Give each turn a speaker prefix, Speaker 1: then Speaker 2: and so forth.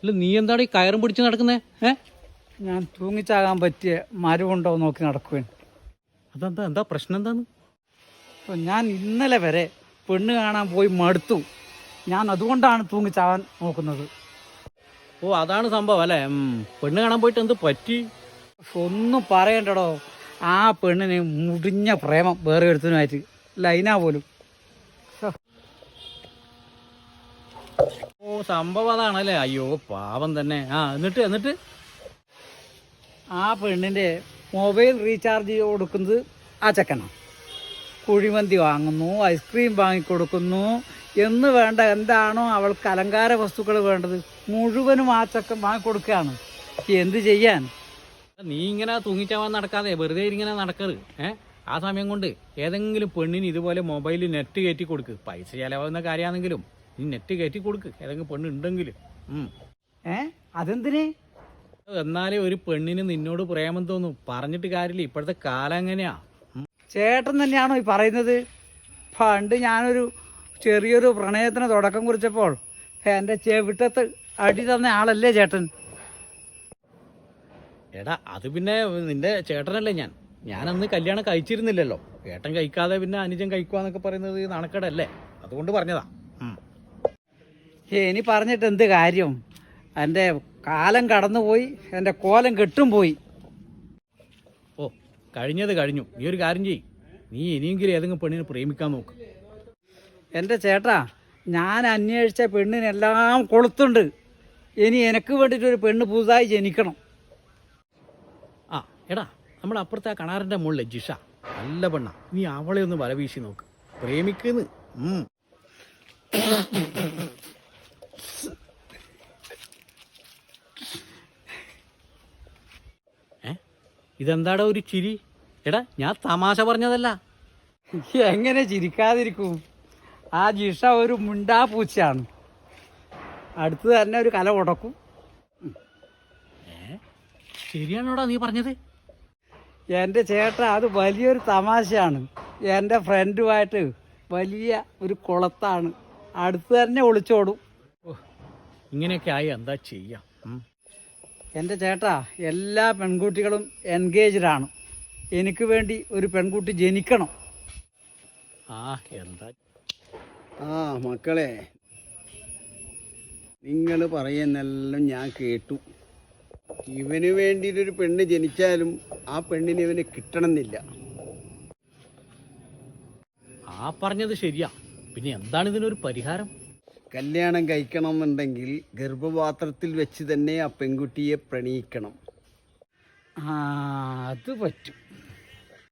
Speaker 1: അല്ല നീ എന്താണ് ഈ കയറും പിടിച്ച് നടക്കുന്നേ?
Speaker 2: ഞാൻ തൂങ്ങിച്ചാകാൻ പറ്റിയ മരമുണ്ടോ നോക്കി നടക്കുവാൻ.
Speaker 1: അതെന്താ എന്താ പ്രശ്നം എന്താന്ന്?
Speaker 2: അപ്പോൾ ഞാൻ ഇന്നലെ വരെ പെണ്ണ് കാണാൻ പോയി മടുത്തു. ഞാൻ അതുകൊണ്ടാണ് തൂങ്ങിച്ചാകാൻ നോക്കുന്നത്.
Speaker 1: ഓ അതാണ് സംഭവം അല്ലേ? പെണ്ണ് കാണാൻ പോയിട്ട് എന്ത് പറ്റി?
Speaker 2: ഒന്നും പറയണ്ടടോ, ആ പെണ്ണിന് മുടിഞ്ഞ പ്രേമം വേറെ ഒരുത്തനുമായിട്ട്, ലൈനാ പോലും.
Speaker 1: ഓ സംഭവം അതാണല്ലേ? അയ്യോ പാവം തന്നെ. എന്നിട്ട്
Speaker 2: ആ പെണ്ണിൻ്റെ മൊബൈൽ റീചാർജ് കൊടുക്കുന്നത് ആ ചെക്കനാണ്. കുഴിമന്തി വാങ്ങുന്നു, ഐസ്ക്രീം വാങ്ങിക്കൊടുക്കുന്നു എന്ന് വേണ്ട എന്താണോ അവൾക്ക് അലങ്കാര വസ്തുക്കൾ വേണ്ടത് മുഴുവനും ആ ചെക്കൻ വാങ്ങിക്കൊടുക്കുകയാണ്. എന്ത് ചെയ്യാൻ?
Speaker 1: നീ ഇങ്ങനെ തൂങ്ങിച്ചാവാൻ നടക്കാതെ വെറുതെ ഇങ്ങനെ നടക്കരുത്. ആ സമയം കൊണ്ട് ഏതെങ്കിലും പെണ്ണിന് ഇതുപോലെ മൊബൈലിൽ നെറ്റ് കയറ്റി കൊടുക്ക്. പൈസ ചിലവാകുന്ന കാര്യമാണെങ്കിലും നീ നെറ്റ് കയറ്റി കൊടുക്ക് ഏതെങ്കിലും പെണ്ണ് ഉണ്ടെങ്കിൽ.
Speaker 2: അതെന്തിന്?
Speaker 1: എന്നാലേ ഒരു പെണ്ണിന് നിന്നോട് പ്രേമം തോന്നും. പറഞ്ഞിട്ട് കാര്യമില്ല, ഇപ്പോഴത്തെ കാലം എങ്ങനെയാ.
Speaker 2: ചേട്ടൻ തന്നെയാണോ ഈ പറയുന്നത്? പണ്ട് ഞാനൊരു ചെറിയൊരു പ്രണയത്തിന് തുടക്കം കുറിച്ചപ്പോൾ എൻ്റെ ചെവിട്ടത്ത് അടി തന്ന ആളല്ലേ ചേട്ടൻ?
Speaker 1: എടാ അത് പിന്നെ നിന്റെ ചേട്ടനല്ലേ ഞാനന്ന് കല്യാണം കഴിച്ചിരുന്നില്ലല്ലോ. ഏട്ടൻ കഴിക്കാതെ പിന്നെ അനുജൻ കഴിക്കുവാന്നൊക്കെ പറയുന്നത് നാണക്കേടല്ലേ? അതുകൊണ്ട് പറഞ്ഞതാ.
Speaker 2: ഇനി പറഞ്ഞിട്ട് എന്ത് കാര്യം? എൻ്റെ കാലം കടന്നുപോയി, എൻ്റെ കോലം കെട്ടും പോയി.
Speaker 1: ഓ കഴിഞ്ഞത് കഴിഞ്ഞു. നീ ഒരു കാര്യം ചെയ്യ്, നീ ഇനിയെങ്കിലും ഏതെങ്കിലും പെണ്ണിനെ പ്രേമിക്കാൻ നോക്ക്.
Speaker 2: എൻ്റെ ചേട്ടാ, ഞാൻ അന്വേഷിച്ച പെണ്ണിനെല്ലാം കൊളുത്തുണ്ട്. ഇനി എനിക്ക് വേണ്ടിയിട്ടൊരു പെണ്ണ് പുതുതായി ജനിക്കണം.
Speaker 1: എടാ നമ്മുടെ അപ്പുറത്തെ ആ കണാറിൻ്റെ മുകളിലെ ജിഷ നല്ല പെണ്ണ, നീ അവളെ ഒന്ന് വല വീശി നോക്ക്, പ്രേമിക്കുന്നു. ഇതെന്താടാ ഒരു ചിരി? എടാ ഞാൻ തമാശ പറഞ്ഞതല്ല.
Speaker 2: എങ്ങനെ ചിരിക്കാതിരിക്കും? ആ ജിഷ ഒരു മുണ്ടാ പൂച്ചയാണ്. അടുത്ത് തന്നെ ഒരു കല ഉടക്കും.
Speaker 1: ശരിയാണോടാ നീ പറഞ്ഞത്?
Speaker 2: എൻ്റെ ചേട്ടാ, അത് വലിയൊരു തമാശയാണ്. എൻ്റെ ഫ്രണ്ടുമായിട്ട് വലിയ ഒരു കുളത്താണ്, അടുത്ത് തന്നെ ഒളിച്ചോടും.
Speaker 1: ഇങ്ങനെയൊക്കെ ആയി എന്താ ചെയ്യാം?
Speaker 2: എൻ്റെ ചേട്ടാ, എല്ലാ പെൺകുട്ടികളും എൻഗേജ്ഡാണ്. എനിക്ക് വേണ്ടി ഒരു പെൺകുട്ടി ജനിക്കണം.
Speaker 1: എന്താ
Speaker 3: മക്കളെ, നിങ്ങൾ പറയുന്നെല്ലാം ഞാൻ കേട്ടു. ഇവന് വേണ്ടിയിട്ടൊരു പെണ്ണ് ജനിച്ചാലും ആ പെണ്ണിന് ഇവന് കിട്ടണമെന്നില്ല.
Speaker 1: പറഞ്ഞത് ശരിയാ. പിന്നെ എന്താണ് ഇതിനൊരു പരിഹാരം?
Speaker 3: കല്യാണം കഴിക്കണമെന്നുണ്ടെങ്കിൽ ഗർഭപാത്രത്തിൽ വെച്ച് തന്നെ ആ പെൺകുട്ടിയെ പ്രണയിക്കണം.
Speaker 2: അത് പറ്റും.